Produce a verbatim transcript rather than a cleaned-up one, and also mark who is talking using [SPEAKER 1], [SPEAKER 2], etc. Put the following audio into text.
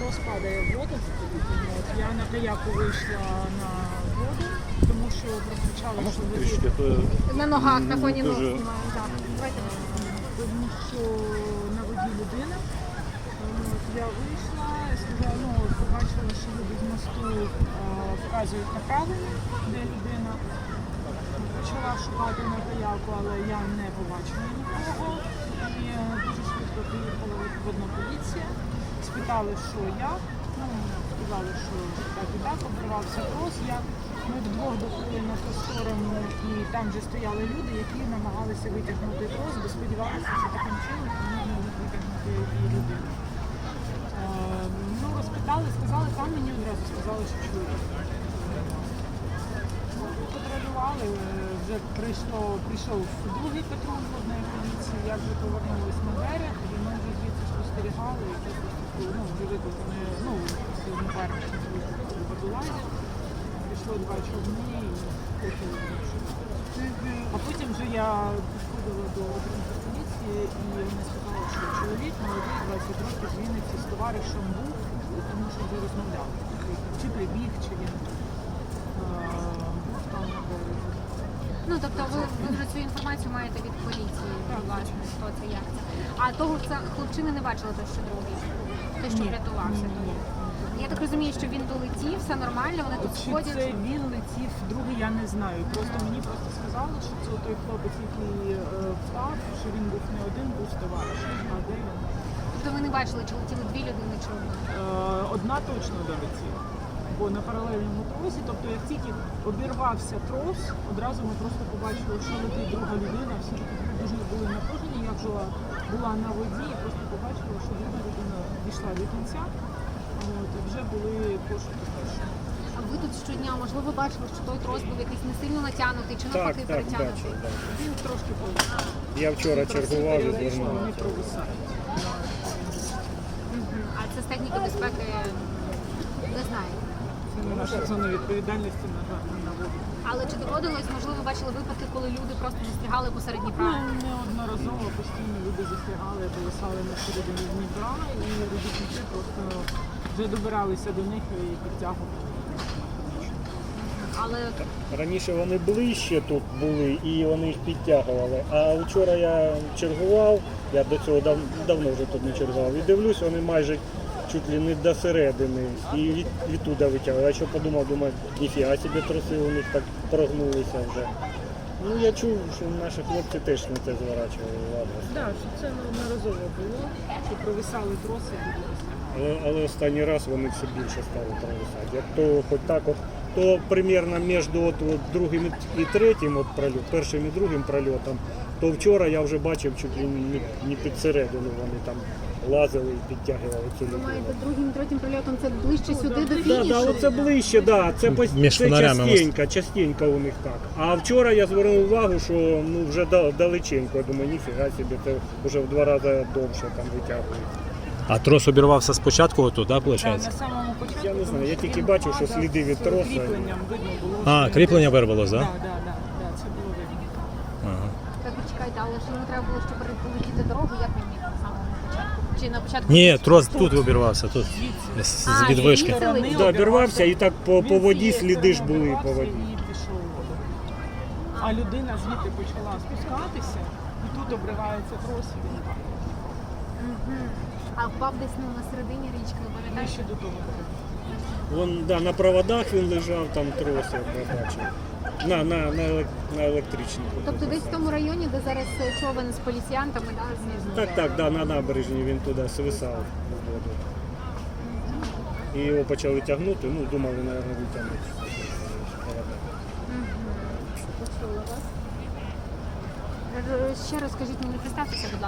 [SPEAKER 1] трос падає в воду. От, я на каяку вийшла на воду, тому що прокричала, що воді...
[SPEAKER 2] На ногах, на фоні ног
[SPEAKER 3] дуже...
[SPEAKER 2] знімаю. Так. Давайте.
[SPEAKER 1] Тому що на воді людина. От, я вийшла, сказала, ну, побачила, що люди з мосту е, вказують направлення, де людина. Почала шукати на каяку, але я не побачила нікого. І е, дуже швидко приїхала водна поліція. Спитали, що я. Ну, сказали, що так і так, обірвався трос. Я, ми вдвох доплили на ту сторону, і там вже стояли люди, які намагалися витягнути трос, бо сподівалися, що таким чином вони можуть витягнути і людину. Е, ну, розпитали, сказали, там мені одразу сказали, що чоловік. Патрулювали, вже прийшло, прийшов другий патруль водної поліції, я вже повернулася на берег, і ми вже звідси спостерігали, і це ну, вже викликали, ну, напарники викликали водолазів, прийшло два човни і почали вирішити. А потім вже я підходила до української поліції, і вони сказали, що чоловік молодий, двадцять років, з Вінниці, з товаришем був, тому що вже розмовляв. Чи прибіг, чи він був там на березі.
[SPEAKER 2] Ну, тобто ви, ви вже цю інформацію маєте від поліції, власне, хто це, як це. А того це хлопчини не бачили, той, що другий, той, що
[SPEAKER 1] Ні,
[SPEAKER 2] врятувався.
[SPEAKER 1] ні, ні, ні.
[SPEAKER 2] Я так розумію, що він долетів, все нормально, вони тут
[SPEAKER 1] Чи
[SPEAKER 2] сходять.
[SPEAKER 1] це він летів, другий я не знаю. Просто мені просто сказали, що це той хлопець, який е, впав, що він був не один, був з товаришем. А де він?
[SPEAKER 2] Тобто ви не бачили, чи летіли дві людини, чи одна?
[SPEAKER 1] Е, одна точно долетіла. Бо на паралельному тросі, тобто як тільки обірвався трос, одразу ми просто побачили, що летить друга людина, всі дуже були напружені, я вже була на воді і просто побачила, що друга людина дійшла до кінця, от, і вже були пошуки першого.
[SPEAKER 2] А ви тут щодня, можливо, бачили, що той трос був якийсь не сильно натягнутий, чи
[SPEAKER 3] Так,
[SPEAKER 2] навпаки
[SPEAKER 3] так,
[SPEAKER 2] перетягнутий?
[SPEAKER 3] бачив, так.
[SPEAKER 1] Він трошки повисав.
[SPEAKER 3] Я вчора чергував і
[SPEAKER 1] Вони
[SPEAKER 3] звернувся.
[SPEAKER 1] провисають.
[SPEAKER 2] Мгм. А це з техніки безпеки не знаю.
[SPEAKER 1] Це не наша зона відповідальності, на жаль, не на воду.
[SPEAKER 2] Але чи доводилось, можливо, бачили випадки, коли люди просто застрягали посеред Дніпра?
[SPEAKER 1] Ну, неодноразово постійно люди застрягали, повисали на середині Дніпра, і робітники просто вже добиралися до них і підтягували.
[SPEAKER 2] Але
[SPEAKER 3] Раніше вони ближче тут були і вони їх підтягували. А вчора я чергував, я до цього дав, давно вже тут не чергував, і дивлюсь, вони майже чуть ли не до середини і від, відтуда витягували. Я що подумав, думаю, ніфіга собі троси у них так прогнулися вже. Ну я чув, що наші хлопці теж на це зворачували увагу.
[SPEAKER 1] Так, що це неодноразово було, що провисали троси і люди застрягали.
[SPEAKER 3] Але, але останній раз вони все більше стали провисати. Як то хоч так от, то примерно між от, от другим і третім от прольот, першим і другим прольотом, то вчора я вже бачив чуть ли не, не під середину вони там лазили і підтягували цю
[SPEAKER 2] ви
[SPEAKER 3] людину.
[SPEAKER 2] маєте другим, третім прильотом це ближче сюди до
[SPEAKER 3] Так,
[SPEAKER 2] фінішу?
[SPEAKER 3] да, оце ближче, да, це, пос-
[SPEAKER 4] Між
[SPEAKER 3] це
[SPEAKER 4] фонарями
[SPEAKER 3] частенько, частенько у них так. А вчора я звернув увагу, що ну, вже да- далеченько, я думаю, ніфіга собі, це вже в два рази довше там витягують.
[SPEAKER 4] А трос обірвався спочатку отут, так,
[SPEAKER 1] Так,
[SPEAKER 4] виходить?
[SPEAKER 1] на самому початку.
[SPEAKER 3] Я не знаю,
[SPEAKER 1] тому
[SPEAKER 3] я
[SPEAKER 1] що
[SPEAKER 3] тільки
[SPEAKER 1] він
[SPEAKER 3] бачив, що
[SPEAKER 1] падав
[SPEAKER 3] сліди від
[SPEAKER 1] з
[SPEAKER 3] троса.
[SPEAKER 1] кріпленням видно було.
[SPEAKER 4] А,
[SPEAKER 1] що
[SPEAKER 4] кріплення
[SPEAKER 1] він-
[SPEAKER 4] вирвалось, так?
[SPEAKER 1] Так, так, так, так, це було видно.
[SPEAKER 4] Ага.
[SPEAKER 2] Так, чекайте, але ж йому треба було, щоб полетіти дорогу, як він міг на самому початку? Чи на початку?
[SPEAKER 4] Ні, трос тут обірвався, тут.
[SPEAKER 1] Звідси.
[SPEAKER 4] З,
[SPEAKER 2] А,
[SPEAKER 4] з відвишки.
[SPEAKER 2] звідси?
[SPEAKER 1] Сторони
[SPEAKER 3] Да, обірвався і так по, по
[SPEAKER 1] Він
[SPEAKER 3] воді
[SPEAKER 1] цієї
[SPEAKER 3] сліди ж
[SPEAKER 1] сторони
[SPEAKER 3] були по
[SPEAKER 1] обірвався
[SPEAKER 3] воді.
[SPEAKER 1] І пішов у воду. А людина звідти почала спускатися, і тут обривається трос, і він падає.
[SPEAKER 2] Мгм. А впав десь ну, на середині річки, ви пам'ятаєте?
[SPEAKER 1] Ближче до того берега.
[SPEAKER 3] Вон, да, на проводах він лежав, там троси, я бачив. На, на, на, елек- на електричній.
[SPEAKER 2] Тобто десь в тому районі, де зараз е, човен з поліціянтами, да, знизу?
[SPEAKER 3] Так, так, да, на набережні він туди свисав в воду. І його почали тягнути, ну, думали, мабуть, витягнути.
[SPEAKER 2] Почула вас. Е, Ще раз скажіть мені, представтеся, будь ласка.